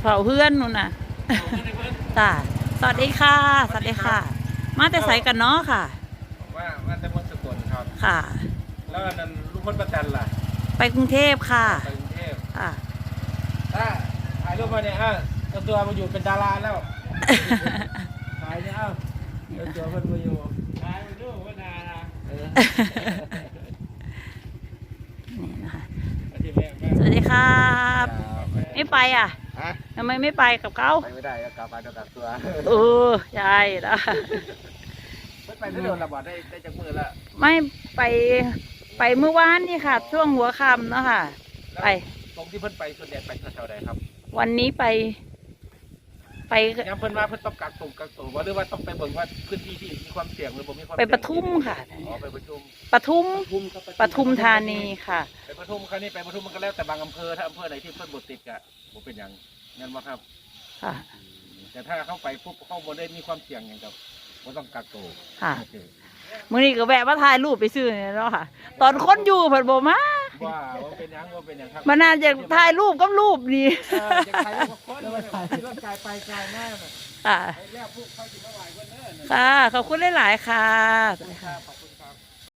เผาเพื่อนนู่นน่ะจ้าสวัสดีค่ะสวัสดีค่ะ มาแต่ใส่กันเนาะค่ะว่าแต่คนสกลครับค่ะแล้วนั่นลูกคนประจันล่ะไปกรุงเทพค่ะไปกรุงเทพค่ะถ้าถ่ายรูปมาเนี่ยตัวมาอยู่เป็นดาราแล้วถ่ายเนี่ยตัวเพิ่นมาอยู่ถ่ายมาดูว่าดารานี่นะคะสวัสดีครับไม่ไปอ่ะทำไมไม่ไปกับเขาไปไม่ได้กลับมาโดนกักตัวใช่แล้วไปที่โดนระบาดได้จากมือละไม่ไปเมื่อวานนี่ค่ะ ช่วงหัวค่ำเนาะค่ะไปตรงที่เพิ่นไปส่วนใหญ่ไปแถวใดครับวันนี้ไปยังเพิ่นว่าเพิ่นต้องกักตัวว่าหรือว่าต้องไปเบิ่งว่าพื้นที่ที่มีความเสี่ยงหรือบ่มีความไปปทุมค่ะไปปทุมปทุมธานีค่ะไปปทุมครั้งนี้ไปปทุมมันก็แล้วแต่บางอำเภอถ้าอำเภอไหนที่เพิ่นบ่ติดก็บ่เป็นหยังงั้นบ่ครับค่ะแต่ถ้าเข้าไปปุ๊บเข้าบ่ได้มีความเสี่ยงหยังก็บ่ต้องกักตัวค่ะมื้อนี้ก็แวะมาถ่ายรูปไปซื้อเนี่ยเนาะค่ะตอนคนอยู่เพิ่นบ่มาว่าเป็นหยังครับมันน่าจะถ่ายรูปกับรูปนี่อยากถ่ายรูปกับคนแล้วถ่ายรถกายไปกายหน้าค่ะแล้วพวกเขาสิมาไหว้เพิ่นเด้อค่ะขอบคุณหลายๆค่ะขอบคุณ